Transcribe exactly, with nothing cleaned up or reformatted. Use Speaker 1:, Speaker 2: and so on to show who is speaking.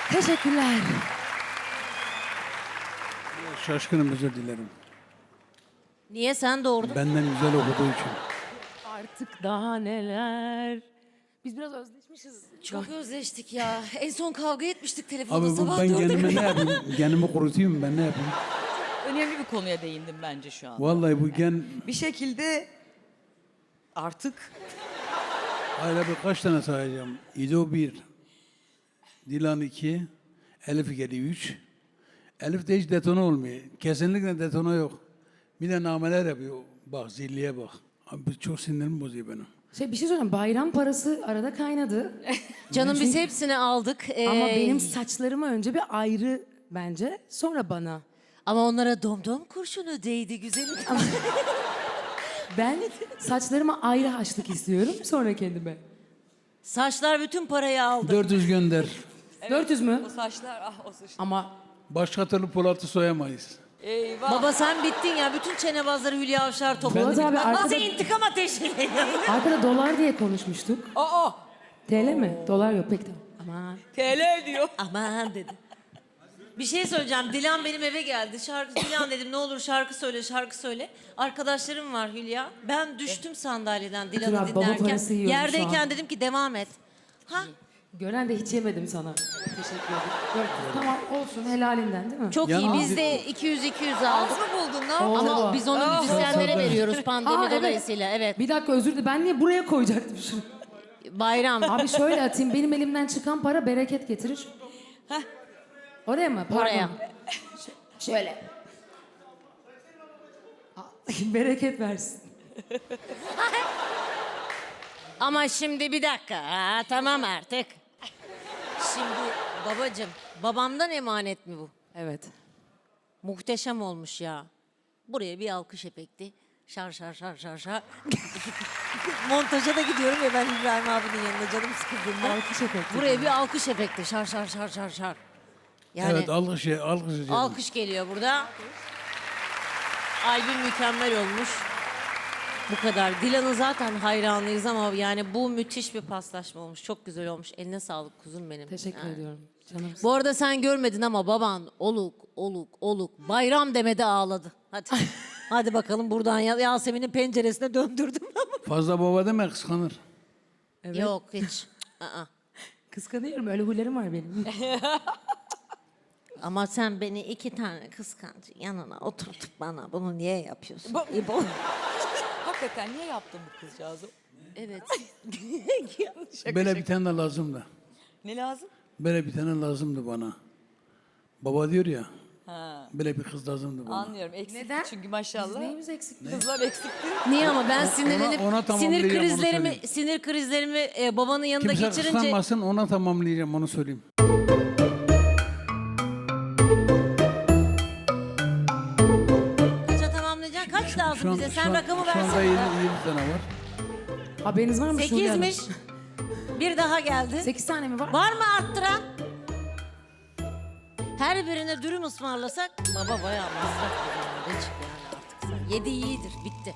Speaker 1: Teşekkürler.
Speaker 2: Şaşkınım, özür dilerim.
Speaker 3: Niye sen doğurdun?
Speaker 2: Benden güzel okuduğu için.
Speaker 1: Artık daha neler. Biz biraz özleşmişiz.
Speaker 3: Çok özleştik ya. En son kavga etmiştik
Speaker 2: Abi
Speaker 3: telefonda
Speaker 2: bu,
Speaker 3: sabah
Speaker 2: ben
Speaker 3: dörde
Speaker 2: kendime
Speaker 3: kadar.
Speaker 2: ne yapayım? Genimi kurutayım, ben ne yapayım?
Speaker 4: Önemli bir konuya değindim bence şu an.
Speaker 2: Vallahi bu gen...
Speaker 4: Bir şekilde artık
Speaker 2: Hala birkaç tane sayacağım. İdo bir, Dilan iki, Elif geliyor üç. Elif de hiç detone olmuyor. Kesinlikle detone yok. Bir de nameler yapıyor. Bak zilliye bak. Abi bu çok sinirimi bozuyor benim.
Speaker 1: Şey bir şey söyleyeyim. Bayram parası arada kaynadı.
Speaker 3: Canım biz hepsini aldık. Ee,
Speaker 1: Ama benim saçlarıma önce bir ayrı bence. Sonra bana.
Speaker 3: Ama onlara domdom kurşunu değdi güzelim.
Speaker 1: Ben saçlarıma ayrı haşlık istiyorum. Sonra kendime.
Speaker 3: Saçlar bütün parayı aldı.
Speaker 2: dört yüz gönder.
Speaker 1: dört yüz mü?
Speaker 4: o saçlar ah o saçlar.
Speaker 1: Ama
Speaker 2: Başka türlü Polat'ı soyamayız.
Speaker 4: Eyvah.
Speaker 3: Baba sen bittin ya. Bütün çenebazları Hülya Avşar topladı.
Speaker 1: Polat abi
Speaker 3: Nasıl
Speaker 1: arkada,
Speaker 3: intikam ateşi?
Speaker 1: arkada dolar diye konuşmuştuk.
Speaker 4: Aa
Speaker 1: T L mi? Dolar yok pek de. Aman.
Speaker 4: T L diyor.
Speaker 3: Aman dedi. Bir şey söyleyeceğim. Dilan benim eve geldi. Şarkı Dilan dedim ne olur şarkı söyle, şarkı söyle. Arkadaşlarım var Hülya. Ben düştüm sandalyeden Dilan'ı
Speaker 1: Abi, baba
Speaker 3: dinlerken.
Speaker 1: parası yiyorum şu
Speaker 3: Yerdeyken
Speaker 1: an.
Speaker 3: dedim ki devam et. Ha?
Speaker 1: Gören de hiç yemedim sana. Teşekkür ederim. Dört yüz. Tamam olsun helalinden değil mi?
Speaker 3: Çok
Speaker 2: Yalnız-
Speaker 3: iyi. Biz de iki yüz iki yüz aldık.
Speaker 4: Az mı buldun ne yaptın?
Speaker 1: Oo.
Speaker 3: Ama biz onu
Speaker 4: Ah.
Speaker 3: müzisyenlere
Speaker 2: Tabii.
Speaker 3: veriyoruz pandemi
Speaker 1: Aa, evet.
Speaker 3: dolayısıyla. Evet.
Speaker 1: Bir dakika özür dilerim. Ben niye buraya koyacaktım şunu?
Speaker 3: Bayram.
Speaker 1: Abi şöyle atayım. Benim elimden çıkan para bereket getirir. Oraya mı? Pardon.
Speaker 3: Oraya.
Speaker 1: Ş- şöyle. Aa, bereket versin.
Speaker 3: Ama şimdi bir dakika. Ha, tamam artık. Şimdi babacığım, babamdan emanet mi bu?
Speaker 1: Evet.
Speaker 3: Muhteşem olmuş ya. Buraya bir alkış efekti. Şar şar şar şar şar. Montaja da gidiyorum ya ben İbrahim abinin yanında canım sıkıldığında.
Speaker 1: Alkış efekti.
Speaker 3: Buraya bir alkış efekti. Şar şar şar şar şar. Yani
Speaker 2: Evet, alkış, alkış.
Speaker 3: alkış geliyor burada. Albüm mükemmel olmuş. Bu kadar. Dilan'ın zaten hayranlıyız ama yani bu müthiş bir paslaşma olmuş. Çok güzel olmuş. Eline sağlık kuzum benim.
Speaker 1: Teşekkür
Speaker 3: Yani.
Speaker 1: ediyorum. Canım.
Speaker 3: Bu arada sen görmedin ama baban oluk oluk oluk bayram demede ağladı. Hadi. Hadi bakalım buradan Ya- Yasemin'in penceresine döndürdüm.
Speaker 2: Fazla baba deme, kıskanır.
Speaker 1: Evet.
Speaker 3: Yok hiç. Aa.
Speaker 1: Kıskanıyorum. Öyle huylarım var benim.
Speaker 3: Ama sen beni iki tane kıskancı yanına oturtup bana bunu niye yapıyorsun?
Speaker 4: Bu-
Speaker 3: İbo.
Speaker 4: Hakikaten niye yaptın bu kızcağızı?
Speaker 3: Evet.
Speaker 2: Böyle bir tane de lazımdı.
Speaker 4: Ne lazım?
Speaker 2: Böyle bir tane lazımdı bana. Baba diyor ya,
Speaker 4: Ha.
Speaker 2: böyle bir kız lazımdı bana.
Speaker 4: Anlıyorum. Eksikti
Speaker 1: Neden?
Speaker 4: çünkü
Speaker 1: Biz
Speaker 4: maşallah.
Speaker 1: neyimiz eksik?
Speaker 4: Kızlar eksikti.
Speaker 3: Niye ama ben sinirlenip
Speaker 2: ona
Speaker 3: sinir
Speaker 2: tamamlayacağım, onu
Speaker 3: krizlerimi
Speaker 2: söyleyeyim.
Speaker 3: sinir krizlerimi e, babanın yanında
Speaker 2: Kimse
Speaker 3: geçirince
Speaker 2: kıskanmasın, ona tamamlayacağım, onu söyleyeyim.
Speaker 3: kaça tamamlayacaksın? Kaç lazım bize? Sen
Speaker 2: şu an-
Speaker 3: rakamı
Speaker 2: Şu anda
Speaker 3: versene.
Speaker 2: yedi, yedi tane var.
Speaker 1: Haberiniz var mı? Şule Hanım?
Speaker 3: Sekizmiş. Bir daha geldi.
Speaker 1: Sekiz tane mi var?
Speaker 3: Var mı arttıran? Her birine dürüm ısmarlasak baba bayağı masraf bir çık yani artık sen. Yedi iyidir bitti.